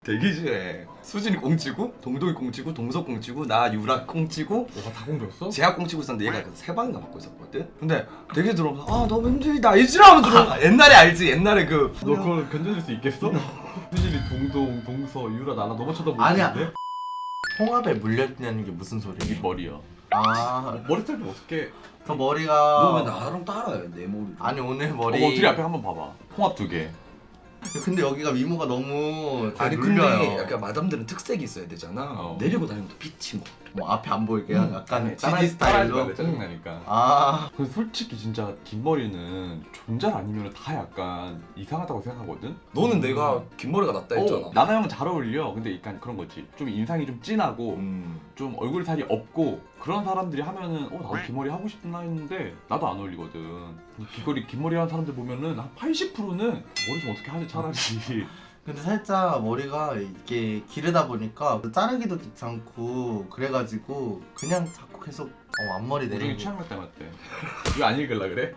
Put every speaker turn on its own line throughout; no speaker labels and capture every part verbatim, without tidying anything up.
대기실에 수진이 꽁치고 동동이 꽁치고 동석 꽁치고 나 유라 꽁치고
너가 다 공줬어?
제가 꽁치고 있었는데 얘가 세 방인가 맡고 있었거든? 근데 대기실 들어오면서 아 너무 힘들다 이지라면 들어 옛날에 알지? 옛날에 그
너 그걸 견뎌낼 수 있겠어? 수진이 동동, 동서, 유라 나나 너무 쳐다보고
아니야.
있는데?
홍합에 물렸다는 게 무슨
이게
소리야?
머리야.
아,
머리 스타일 좀 어떻게?
그 머리가
너 왜 나랑 따라해 내 머리
아니 오늘
어머
머리
둘이 앞에 한번 봐봐. 홍합 두 개.
근데 여기가 미모가 너무 잘
아니
눌려요.
근데 약간 마담들은 특색이 있어야 되잖아
어.
내리고 다니면 또 빛이 뭐
뭐 앞에 안 보이게
음.
약간
따라-
지디
따라하지
스타일로
말래, 짜증나니까.
아
근데 솔직히 진짜 긴 머리는 존잘 아니면 다 약간 이상하다고 생각하거든?
너는 내가 긴 머리가 낫다 했잖아
어, 나나 형은 잘 어울려. 근데 약간 그런 거지. 좀 인상이 좀 진하고
음.
좀 얼굴 살이 없고 그런 사람들이 하면은 어 나도 긴 머리 하고 싶나 했는데 나도 안 어울리거든. 귀걸이 긴 머리 하는 사람들 보면은 한 팔십 퍼센트는 머리 좀 어떻게 하지 차라리.
근데 살짝 머리가 이게 기르다 보니까 자르기도 귀찮고 그래가지고 그냥 자꾸 계속 어, 앞머리
우정이
내리고
취향 닮았대. 왜 안 읽을라 그래?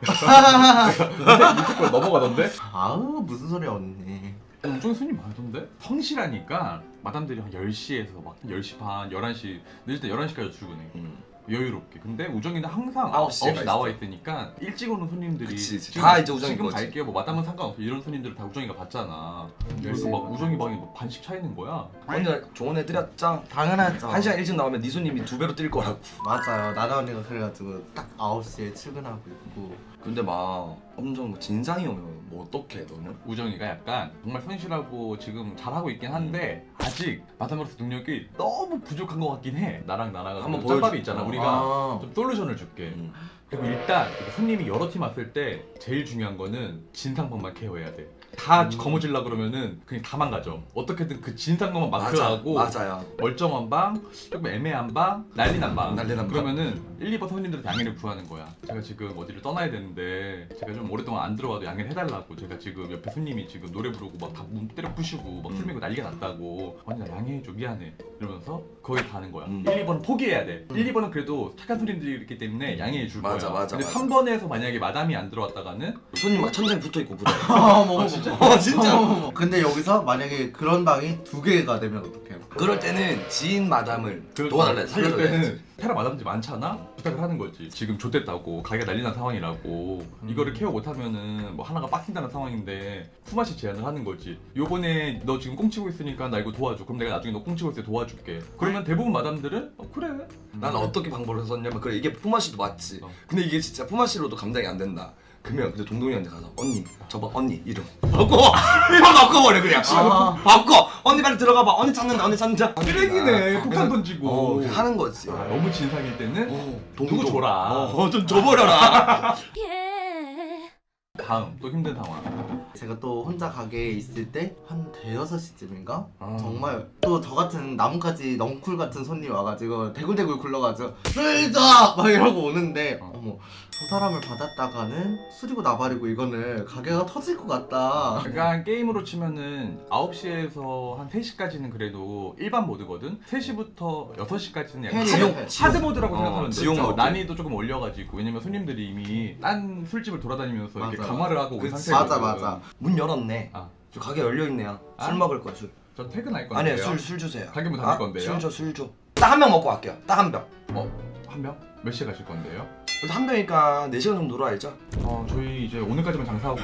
이쪽 걸 넘어가던데?
아우 무슨 소리야 언니.
우정이 손님 많던데? 성실하니까 마담들이 한 열 시에서 막 열 시 반, 열한 시 늦을 때 열한 시까지 출근해.
음.
여유롭게. 근데 우정이는 항상
아홉 시에
아홉 시
가
나와 있으니까 일찍 오는 손님들이
그치, 그치.
지금,
다 이제 우정이
지금
거지.
갈게요. 뭐 마담은 상관없어. 이런 손님들을 다 우정이가 봤잖아. 그래서 막 우정이 방에 뭐 반씩 차 있는 거야.
언니 좋은 애 드렸죠?
당연하죠.
한 시간 일찍 나오면 네 손님이 두 배로 뛸 거라고
맞아요. 나나 언니가 그래가지고 딱 아홉 시에 출근하고 있고
근데 막 엄청 뭐 진상이 오면 뭐 어떡해 너는?
우정이가 약간 정말 성실하고 지금 잘하고 있긴 한데 아직 마담으로서 능력이 너무 부족한 것 같긴 해. 나랑 나랑
한번
짬밥이
보여줘.
있잖아.
어.
우리가
아.
좀 솔루션을 줄게.
음.
그리고 일단 이렇게 손님이 여러 팀 왔을 때 제일 중요한 거는 진상방만 케어해야 돼. 다
음.
거머질라 그러면은 그냥 다 망가져. 어떻게든 그 진상방만
맞아
마크하고
맞아요
멀쩡한 방, 조금 애매한 방, 난리난 방.
난리난 방.
그러면은 일, 이 번 손님들한테 양해를 구하는 거야. 제가 지금 어디를 떠나야 되는데 제가 좀 오랫동안 안 들어와도 양해를 해달라고. 제가 지금 옆에 손님이 지금 노래 부르고 막 다 몸 때려 부시고 막 술
음.
먹고 난리가 났다고. 언니 나 양해해줘 미안해. 이러면서 거의 다 하는 거야.
음.
일, 이 번은 포기해야 돼.
음.
일, 이 번은 그래도 착한 손님들이 있기 때문에 양해해 줄
맞아,
거야.
맞아,
근데
맞아.
삼 번에서 만약에 마담이 안 들어왔다가는
손님 막 천장에 붙어있고 그래
어머
진짜?
어 진짜
어머. 근데 여기서 만약에 그런 방이 두 개가 되면 어떡해요?
그럴 때는 지인 마담을
그-
도와달래
그럴
살려줘야 돼
때는 테라 마담들이 많잖아? 부탁을 하는 거지. 지금 좆됐다고 가게가 난리 난 상황이라고
음.
이거를 케어 못하면은 뭐 하나가 빡친다는 상황인데 품앗이 제안을 하는 거지. 요번에 너 지금 꽁치고 있으니까 나 이거 도와줘. 그럼 내가 나중에 너 꽁치고 있을 때 도와줄게. 그러면 대부분 마담들은 어 그래.
난 어떻게 방법을 썼냐면 그래 이게 품앗이도 맞지
어.
근데 이게 진짜 품앗이로도 감당이 안 된다 그러면 근데 동동이한테 가서 언니 저봐 언니 이름 바꿔 이름 바꿔버려 그냥
아.
바꿔 언니 빨리 들어가봐 언니 찾는다 언니 찾는다
쓰레기네.
아,
폭탄
그래서-
던지고.
어 그렇게 하는 거지
아, 너무 진상일 때는
어,
누구 줘라.
어, 좀 줘버려라
다음 또 힘든 상황.
제가 또 혼자 가게에 있을 때 한 대여섯 시쯤인가?
아.
정말 또 저 같은 나뭇가지 넝쿨 같은 손님 와가지고 대굴대굴 굴러가지고 술자! 막 이러고 오는데
어.
어머 저 사람을 받았다가는 술이고 나발이고 이거는 가게가 터질 것 같다.
약간 게임으로 치면은 아홉 시에서 한 세 시까지는 그래도 일반 모드거든? 세 시부터 여섯 시까지는 약간
지옥,
하드,
지옥.
하드 모드라고
어,
생각하면 돼.
지옥 모드.
난이도 조금 올려가지고. 왜냐면 손님들이 이미 딴 술집을 돌아다니면서 이렇게
맞아.
강화를 하고 온
그치.
상태거든.
맞아 맞아.
문 열었네
아,
저 가게 열려있네요
아?
술 먹을 거야 술
전 퇴근할 건데요.
아니요 술 술 주세요
가게 문 닫을 건데요.
술 줘 술 줘 딱 한 병 먹고 갈게요 딱 한병
어? 한 명? 몇 시에 가실 건데요?
그래서 한 병이니까 네 시간 정도 놀아야죠
어, 저희 이제 오늘까지만 장사하고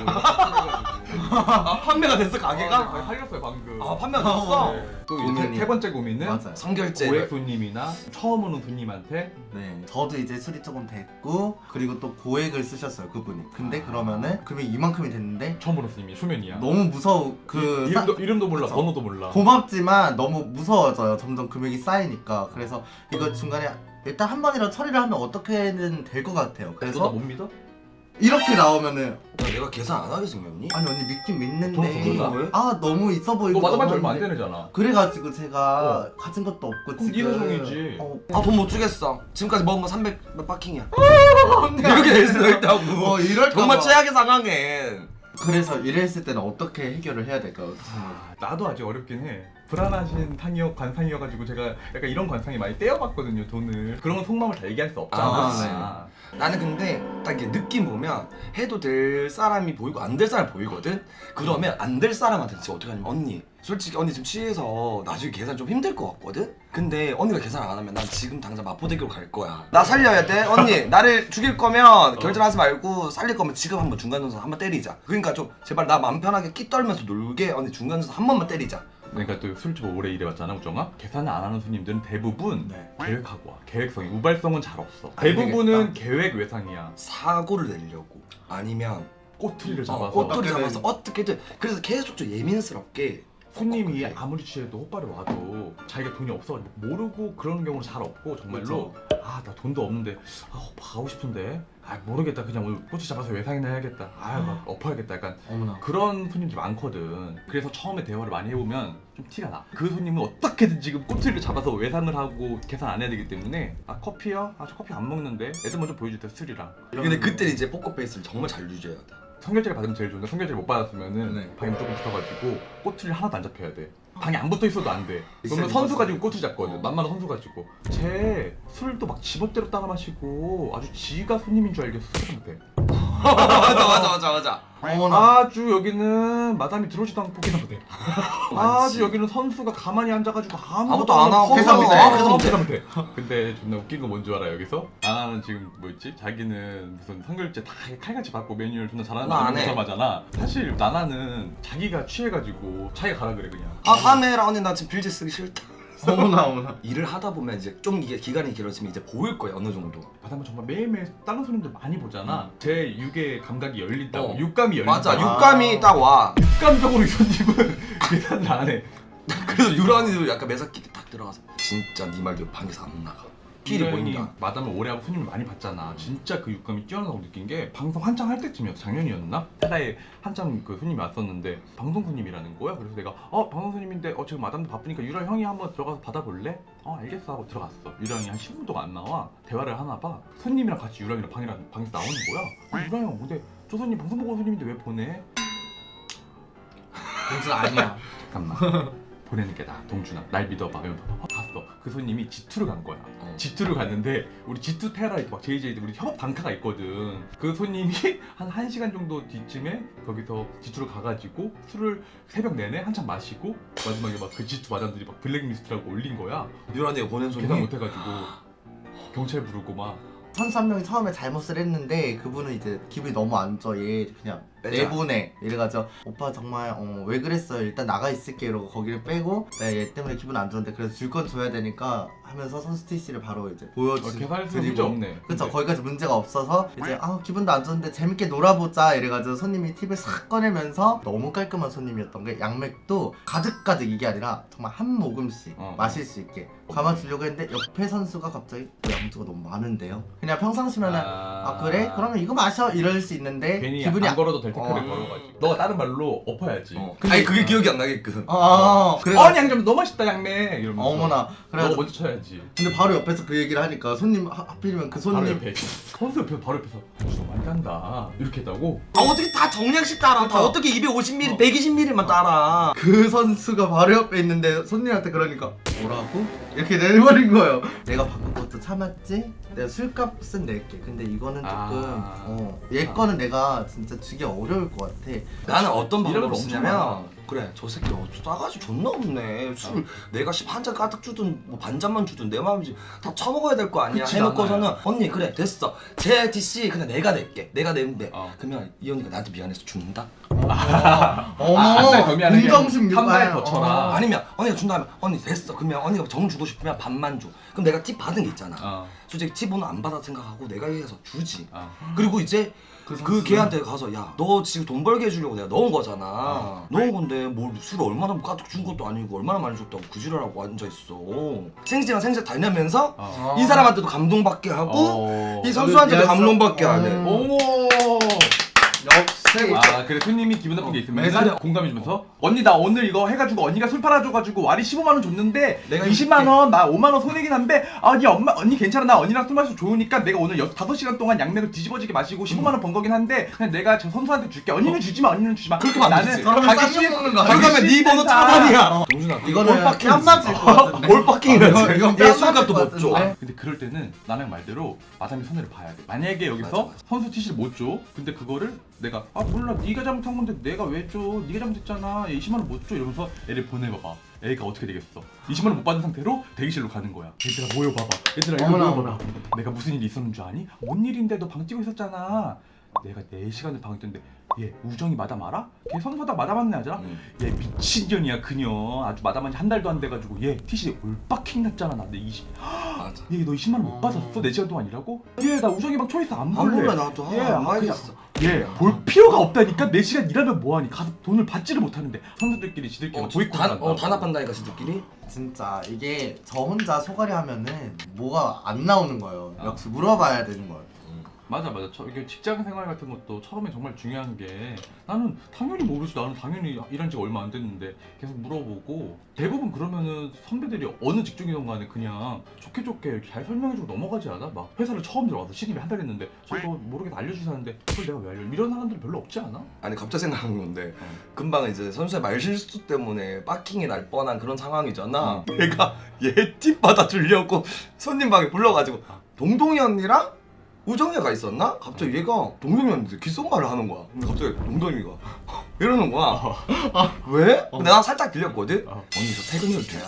아 판매가 됐어
가게가 거의 팔렸어요 방금.
아 판매가 됐어?
네.
또 이제 세,
고민이.
세 번째 고민은
맞아요.
성결제
고액 손님이나 처음 오는 손님한테
네, 저도 이제 술이 조금 됐고 그리고 또 고액을 쓰셨어요 그분이. 근데 그러면은 금액이 이만큼이 됐는데
처음 오는 손님이 수면이야.
너무 무서워. 그
이, 이름도, 이름도 몰라,
그쵸.
번호도 몰라.
고맙지만 너무 무서워져요. 점점 금액이 쌓이니까. 그래서 이거 중간에 일단 한 번이라도 처리를 하면 어떻게든 될 것 같아요.
너 나
그래서
못 믿어?
이렇게 나오면은
야, 내가 계산 안 하게 생겼니?
아니 언니 믿긴 믿는데
돈 더
왜?
아 너무 있어 보이고
너 마담한 지
너무
얼마 안
했는데
되잖아.
그래가지고 제가 가진 것도 없고
그럼 네
지금
사정이지.
어,
아 돈 못 주겠어 지금까지 먹은 거 삼백 몇 바킹이야
언니
이렇게 될 수도 있다고
어 이럴까
정말
봐.
최악의 상황에
그래서 이랬을 때는 어떻게 해결을 해야 될까요?
아, 나도 아직 어렵긴 해. 불안하신 상이어 관상이어가지고 제가 약간 이런 관상이 많이 떼어봤거든요 돈을. 그런 건 속마음을 다 얘기할 수 없잖아.
아,
네.
나는 근데 딱 이게 느낌 보면 해도 될 사람이 보이고 안 될 사람이 보이거든? 그러면 안 될 사람한테 진짜 어떻게 하냐면 언니 솔직히 언니 지금 취해서 나중에 계산 좀 힘들 것 같거든? 근데 언니가 계산 안 하면 난 지금 당장 마포대교로 갈 거야. 나 살려야 돼? 언니 나를 죽일 거면 결전하지 말고 살릴 거면 지금 한번 중간선수 한번 때리자. 그러니까 좀 제발 나 맘 편하게 끼 떨면서 놀게 언니 중간선수 한 번만 때리자.
그러니까 또 술집 오래 일해봤잖아, 우정아. 계산을 안 하는 손님들은 대부분
네.
계획하고 와. 계획성이 우발성은 잘 없어.
안
대부분은
되겠다.
계획 외상이야.
사고를 내려고 아니면
꼬투리를 잡아서
어, 꼬투리
어떻게든-
잡아서 어떻게든 그래서 계속 좀 예민스럽게
손님이
어,
아무리 취해도 호빠를 와도 자기가 돈이 없어가지고 모르고 그러는 경우는 잘 없고 정말로 아 나 돈도 없는데 아 오빠 가고 싶은데 아 모르겠다 그냥 오늘 꼬치 잡아서 외상이나 해야겠다 아막 엎어야겠다 약간
어머나.
그런 손님들이 많거든. 그래서 처음에 대화를 많이 해보면 좀 티가 나. 그 손님은 어떻게든 지금 꼬투리를 잡아서 외상을 하고 계산 안 해야 되기 때문에 아 커피요? 아 저 커피 안 먹는데 애들 먼저 보여줄 때 술이랑
근데 그때 이제 포커페이스를 정말 잘 유지해야 돼.
성결제를 받으면 제일 좋은데 성결제를 못 받았으면은
네.
방에 무조건 붙어가지고 꼬투리를 하나도 안 잡혀야 돼. 방에 안 붙어 있어도 안 돼. 그러면
있어요,
선수
있어요.
가지고 꼬투리 잡거든.
어.
만만한 선수 가지고. 쟤 술도 막 지멋대로 따라 마시고 아주 지가 손님인 줄 알겠어. 술한테.
맞아 맞아 맞아 맞아.
어머나.
아주 여기는 마담이 들어오지도 않고 계산 못해. 아주 여기는 선수가 가만히 앉아가지고 아무것도,
아무것도 안 하고
계산 못해,
어,
계산 못해.
계산 못해. 근데 존나 웃긴 거 뭔 줄 알아 여기서? 나나는 지금 뭐였지? 자기는 무슨 성결제 다 칼같이 받고 메뉴를 존나 잘하는
나안 해.
사람하잖아. 사실 나나는 자기가 취해가지고 자기가 가라 그래 그냥.
아 다음에 해라 언니 나 지금 빌지 쓰기 싫다.
어머나 어머나.
일을 하다 보면 이제 좀 이게 기간이 길어지면 이제 보일 거야 어느 정도.
마담은 정말 매일매일 다른 손님들 많이 보잖아. 제 육의 감각이 열린다고.
어.
육감이 열린다.
맞아
아.
육감이 딱 와.
육감적으로 이 손님은 계산을 안 해.
그래서 유란이도 약간 매사끼 딱 들어가서 진짜 네 말대로 방에서 안 나가. 필이
유랑이
보인다.
마담을 오래 하고 손님을 많이 봤잖아. 진짜 그 육감이 뛰어나다고 느낀 게 방송 한창 할 때쯤이었어. 작년이었나? 테라에 한창 그 손님이 왔었는데 방송 손님이라는 거야. 그래서 내가 어 방송 손님인데 어 지금 마담도 바쁘니까 유랑 형이 한번 들어가서 받아볼래? 어 알겠어 하고 들어갔어. 유랑이 한 십 분 동안 안 나와. 대화를 하나 봐. 손님이랑 같이 유랑이랑 방이랑 방에서 나오는 거야. 유랑이 형 근데 저 손님 방송 보고 온 손님인데 왜 보내?
동준 아니야.
잠깐만. 보내는 게 나아. 동준아 날 믿어봐. 이러면서 어, 갔어. 그 손님이 지투를 간 거야.
어.
지투를 갔는데 우리 지투 테라 이렇게 막 제이제이들 우리 협업 단카가 있거든. 그 손님이 한 1시간 정도 뒤쯤에 거기서 지투를 가가지고 술을 새벽 내내 한참 마시고 마지막에 막 그 지투 마담들이 막 블랙리스트라고 올린 거야.
유란이가 보낸
계산
손이
못해가지고 경찰 부르고 막
선수 한 명이 처음에 잘못을 했는데 그분은 이제 기분이 너무 안 좋아. 얘 그냥
빼자.
내보내. 이래가지고 오빠 정말 어, 왜 그랬어요? 일단 나가 있을게 이러고 거기를 빼고 네, 얘 때문에 기분 안 좋은데 그래서 줄 건 줘야 되니까 하면서 선수 티씨를 바로 이제
어,
보여주고
계산에서 문제 없네.
그쵸
근데
거기까지 문제가 없어서 이제 아 기분도 안 좋은데 재밌게 놀아보자 이래가지고 손님이 팁을 싹 꺼내면서 너무 깔끔한 손님이었던 게 양맥도 가득가득 이게 아니라 정말 한 모금씩
어.
마실 수 있게 감아주려고 했는데 옆에 선수가 갑자기 어, 양주가 너무 많은데요? 그냥 평상시면은 아,
아,
그래? 그러면 이거 마셔 이럴 수 있는데
괜히
기분이
안 걸어도 될 태클을
어.
걸어가지고 너가 다른 말로 엎어야지.
어. 아니 그게 기억이 안 나게끔.
아, 아, 아. 그래서
어 양점 너무 맛있다 양매 이러면서
어머나
너가
그래가지고
먼저 쳐야지.
근데 바로 옆에서 그 얘기를 하니까 손님 하, 하필이면 그
바로
손님
옆에 선수 옆에서 바로 옆에서 저 많이 딴다 이렇게 했다고?
아 어떻게 다 정량씩 따라? 다
그러니까.
어떻게 이백오십 밀리리터,
어.
백이십 밀리리터만 따라?
그 선수가 바로 옆에 있는데 손님한테 그러니까 뭐라고? 이렇게 내버린 거예요. 내가 바꾼 것도 참았지? 내가 술값은 낼게. 근데 이거는 조금
아.
어, 얘
아.
거는 내가 진짜 주기 어려울 것 같아.
나는 어떤 방법을
이런 거 엄청 많아.
쓰냐면 그래 저 새끼 어, 싸가지 존나 없네. 술 내가 한 잔 가득 주든 뭐 반잔만 주든 내 마음이지 다 처먹어야 될 거 아니야.
그치,
해놓고서는
나나야.
언니 그래 됐어. 제 디씨 그냥 내가 낼게. 내가 내는데
어.
그러면 이 언니가 나한테 미안해서 준다?
어머,
한달 더 미안해.
공정심
한 달
유발.
더 쳐라.
어.
아니면 언니가 준다 하면 언니 됐어. 그러면 언니가 정 주고 싶으면 반만 줘. 그럼 내가 팁 받은 게 있잖아.
어.
솔직히 팁은 안 받아 생각하고 내가 해서 주지.
어.
그리고 이제
그
그
선수는-
걔한테 가서 야 너 지금 돈 벌게 해주려고 내가 넣은 거잖아.
어.
넣은 건데 뭘 술을 얼마나 가득 준 것도 아니고 얼마나 많이 줬다고 그 지랄하고 앉아있어. 생지랑 생지 다니면서
어.
이 사람한테도 감동받게 하고
어.
이 선수한테도
그
감동받게
어.
하네.
어머.
역시
아 그래 손님이 기분 나쁜 게 있으면
매사려.
공감해주면서 언니 나 오늘 이거 해가지고 언니가 술 팔아줘가지고 와리 십오만 원 줬는데
내가
이십만 원 나 오만 원 손해긴 한데 아 언니 엄마 언니 괜찮아 나 언니랑 술 마셔서 좋으니까 내가 오늘 여, 다섯 시간 동안 양맥을 뒤집어지게 마시고 십오만 원 번 거긴 한데 그냥 내가 저 선수한테 줄게 언니는 주지마 언니는 주지마
그렇게 하면 안
나는
되지.
그러면
가기
쌍욕
싫-
먹는 거
가기
아니야?
그러면 네 번호
싫다.
차단이야. 동준아
이거는
빡킹
뺨 맞을 것 같은데.
뭘 빡킹이라지.
이건
얘
뺨
술값도
맞을
못
것
줘.
같은데.
근데 그럴 때는 나랑 말대로 마담이 손해를 봐야 돼. 만약에 여기서
맞아, 맞아.
선수 티시를 못 줘. 근데 그거를 내가 아 몰라 네가 잘못한 건데 내가 왜 줘? 네가 잘못했잖아. 얘 이십만 원 못 줘. 이러면서 애를 보내봐봐. 애가 어떻게 되겠어? 이십만 원 못 받은 상태로 대기실로 가는 거야. 얘들아 모여봐봐. 얘들아 이거
어머나,
모여봐봐.
어머나.
내가 무슨 일이 있었는 줄 아니? 뭔 일인데 너 방 뛰고 있었잖아. 내가 네 시간을 방에 뛰는데 얘 우정이 마담 알아? 걔 선수하다 마담 한애 하잖아?
응.
얘 미친년이야 그녀. 아주 마담한 지 한 달도 안 돼가지고 얘 티시 올빡킹 났잖아. 나 내 이십
맞아.
얘 너 이십만 원 못
어.
받았어? 네 시간 동안 일하고? 얘 나 우정이 방 초이스 안
안
볼래.
볼래 나도
예,
안
아,
봐야겠어.
얘 볼 필요가 없다니까? 네 시간 일하면 뭐하니? 가서 돈을 받지를 못하는데 선수들끼리 지들끼리
어,
보이콧
단,
한다.
어, 단합한다니까 지들끼리.
진짜 이게 저 혼자 소갈이 하면은 뭐가 안 나오는 거예요.
아.
역시 물어봐야 되는 거예요.
맞아 맞아. 저 이게 직장 생활 같은 것도 처음에 정말 중요한 게 나는 당연히 모르지. 나는 당연히 일한 지가 얼마 안 됐는데 계속 물어보고 대부분 그러면은 선배들이 어느 직종이든 간에 그냥 좋게 좋게 이렇게 잘 설명해주고 넘어가지 않아? 막 회사를 처음 들어가서 신입이 한 달 됐는데 저거 모르겠어 알려주사는데 그걸 내가 왜 알려? 이런 사람들이 별로 없지 않아?
아니 갑자기 생각한 건데
어.
금방 이제 선수의 말실수 때문에 빡킹이 날 뻔한 그런 상황이잖아.
응.
얘가 얘 팁 받아 주려고 손님 방에 불러가지고 동동이 언니랑 우정이가 있었나? 갑자기 얘가 동동이 언니한테 귓속말을 하는 거야. 근데 갑자기 동동이가 이러는 거야. 왜? 근데 난 살짝 들렸거든?
어.
언니 저 퇴근해도 돼요?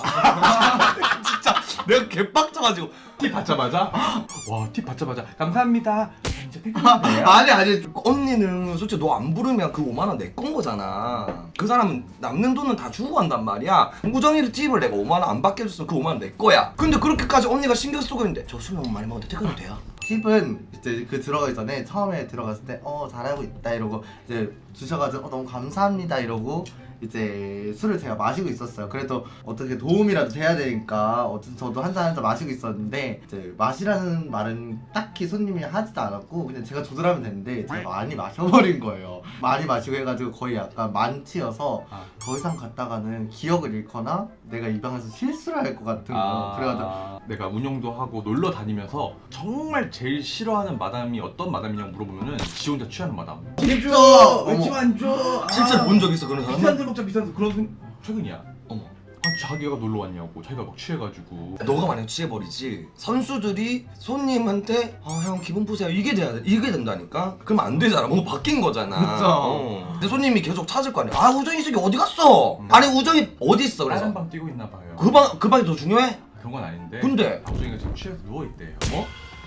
진짜 내가 개빡쳐가지고
팁 받자마자 와 팁 받자마자 감사합니다. 이제 퇴근해도 돼요?
아니 아니
언니는 솔직히 너 안 부르면 그 오만 원 내 건 거잖아. 그 사람은 남는 돈은 다 주고 간단 말이야. 우정이를 팁을 내가 오만 원 안 받게 해줬으면 그 오만 원 내 거야. 근데 그렇게까지 언니가 신경 쓰고 있는데 저 술 너무 많이 먹었는데 퇴근해도 돼요?
팁은 이제 그 들어가기 전에 처음에 들어갔을 때 어 잘하고 있다 이러고 이제 주셔가지고 어, 너무 감사합니다 이러고 이제 술을 제가 마시고 있었어요. 그래도 어떻게 도움이라도 돼야 되니까 어쨌든 저도 한 잔 한 잔 마시고 있었는데 이제 마시라는 말은 딱히 손님이 하지도 않았고 그냥 제가 조절하면 되는데 제가 많이 마셔버린 거예요. 많이 마시고 해가지고 거의 약간 만취여서
아.
더 이상 갔다가는 기억을 잃거나 내가 이 방에서 실수를 할 것 같은 거.
아,
그래가지고
내가 운영도 하고 놀러 다니면서 정말 제일 싫어하는 마담이 어떤 마담이냐고 물어보면은 지 혼자 취하는 마담.
팁 줘!
왜
어머.
팁 안 줘?
실제로 본 적 있어 그런
비싼
사람?
술 먹자 비싼 술 그런 분 최근이야.
어머.
아, 자기가 놀러 왔냐고 자기가 막 취해가지고.
너가 만약 취해버리지 선수들이 손님한테 아 형 기분 보세요 이게 돼야 돼 이게 된다니까. 그러면 안 되잖아. 뭔가 바뀐 거잖아.
그쵸.
어. 근데 손님이 계속 찾을 거 아니야. 아 우정이 저기 어디 갔어?
음.
아니 우정이 어디 있어?
다른
그래서
밤 뛰고 있나 봐요.
그 방 그 방이 더 중요해?
그런 건 아닌데.
근데
방송이가 지금 취해서 누워 있대요. 어?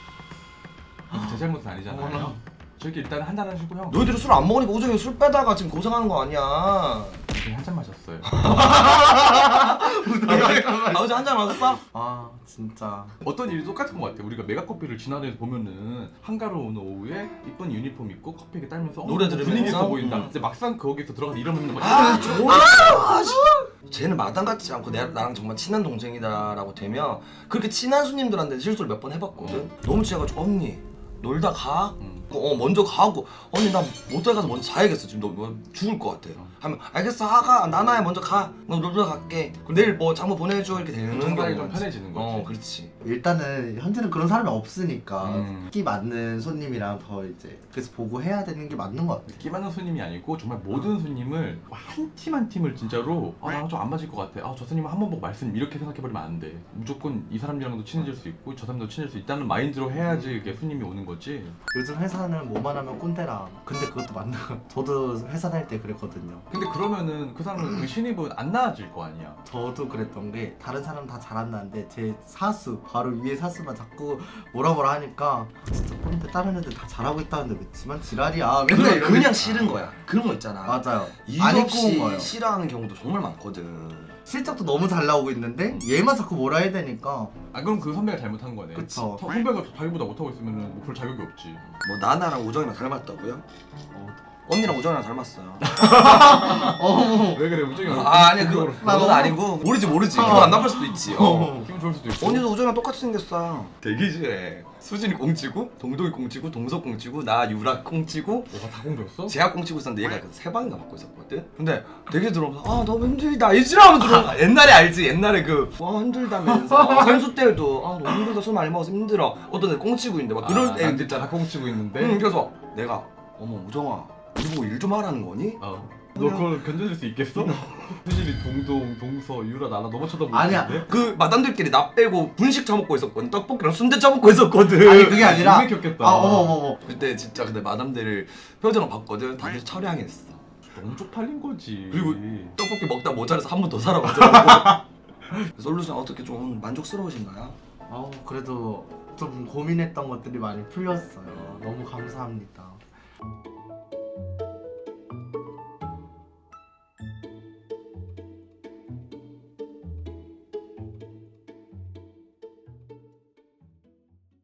제 잘못은 아니잖아요.
어머나.
저기 일단 한 잔 하시고 형.
너희들이 술 안 먹으니까 우정이 술 빼다가 지금 고생하는 거 아니야.
그냥 한잔 마셨어요.
나 어제 한잔 마셨어?
아 진짜
어떤 일이 똑같은 것 같아. 우리가 메가커피를 지나다니면서 보면은 한가로운 오후에 이쁜 유니폼 입고 커피 이렇게 따면서 어,
노래 들으면서?
분위기 있어 보인다.
음.
근데 막상 거기서 들어가서 이러면 막
아 좋아. 아, 씨. 쟤는 마당 같지 않고 내, 나랑 정말 친한 동생이다라고 되면 그렇게 친한 손님들한테 실수를 몇 번 해봤거든. 너무 취해가지고 언니 놀다 가.
음.
어 먼저 가고 언니 나 모텔 가서 먼저 자야겠어 지금 너, 너 죽을 것 같아.
어.
하면 알겠어 하가 나나야 먼저 가. 너 놀다 갈게. 그럼 내일 뭐 장모 보내줘 이렇게 되는
정말이 좀
경우가
편해지는 거지.
어 그렇지.
일단은 현재는 그런 사람이 없으니까
음.
끼 맞는 손님이랑 더 이제 그래서 보고 해야 되는 게 맞는 것 같아.
끼 많은 손님이 아니고 정말 모든 손님을 한 팀 한 팀을 진짜로 아 나랑 좀 안 맞을 것 같아. 아 저 손님은 한 번 보고 말씀 이렇게 생각해버리면 안 돼. 무조건 이 사람이랑도 친해질 수 있고 저 사람도 친해질 수 있다는 마인드로 해야지 이게 손님이 오는 거지.
요즘 회사는 뭐만 하면 꼰대라. 근데 그것도 맞는 거. 저도 회사 다닐 때 그랬거든요.
근데 그러면은 그 사람은 그 신입은 안 나아질 거 아니야.
저도 그랬던 게 다른 사람 다 잘한다는데 제 사수 바로 위에 사수만 자꾸 뭐라 뭐라 하니까 진짜 꼰대 다른 애들 다 잘하고 있다는데 왜 지만 지랄이야. 맨날
그냥,
이러고
그냥
있-
싫은 거야. 그런 거 있잖아.
맞아요.
이유
안 입고 온
없이
거예요.
싫어하는 경우도 정말 많거든.
실적도 너무 잘 나오고 있는데 얘만 자꾸 뭐라 해야 되니까
아 그럼 그 선배가 잘못한 거네.
그쵸.
서- 선배가 자기보다 못하고 있으면은 뭐 그럴 자격이 없지.
뭐 나나랑 우정이랑 닮았다고요?
어,
언니랑 우정이랑 닮았어요.
어.
왜 그래 우정이
아 아니 그거
나
그건
너무-
아니고 모르지 모르지.
어.
기분 안 나쁠 수도 있지. 어.
어.
기분 좋을 수도 있고.
언니도 우정이랑 똑같이 생겼어. 대기실에 수진이 꽁치고 동동이 꽁치고 동석 꽁치고 나 유라 꽁치고
너가 다 공주였어?
제가 꽁치고 있었는데 얘가 그 세 방인가 맡고 있었거든. 근데 되게 들어오면서 아 너무 힘들다 이지라면 들어. 옛날에 알지 옛날에 그와 힘들다면서 선수 때도 아 너무 힘들다 술 많이 먹어서 힘들어. 어떤 애 꽁치고 있는데 막 그럴
아,
때
난
있잖아.
다 공치고 있는데.
응, 그래서 내가 어머 우정아 우리 보고 일 좀 하라는 거니?
어. 너 그걸 견뎌줄 수 있겠어? 수진이 동동, 동서, 유라, 나나 너무 쳐다보고
아니야.
있는데?
그 마담들끼리 나 빼고 분식 처먹고 있었거든. 떡볶이랑 순대 처먹고 있었거든.
아니 그게 아니라
눈에 켰겠다.
아 어머 어머 어머.
그때 진짜 근데 마담들 표정을 봤거든. 다들 철량했어.
너무 쪽팔린 거지.
그리고 떡볶이 먹다 모자라서 한 번 더 사러 가더라고. 솔루션 어떻게 좀 만족스러우신가요?
어 그래도 좀 고민했던 것들이 많이 풀렸어요. 너무 감사합니다.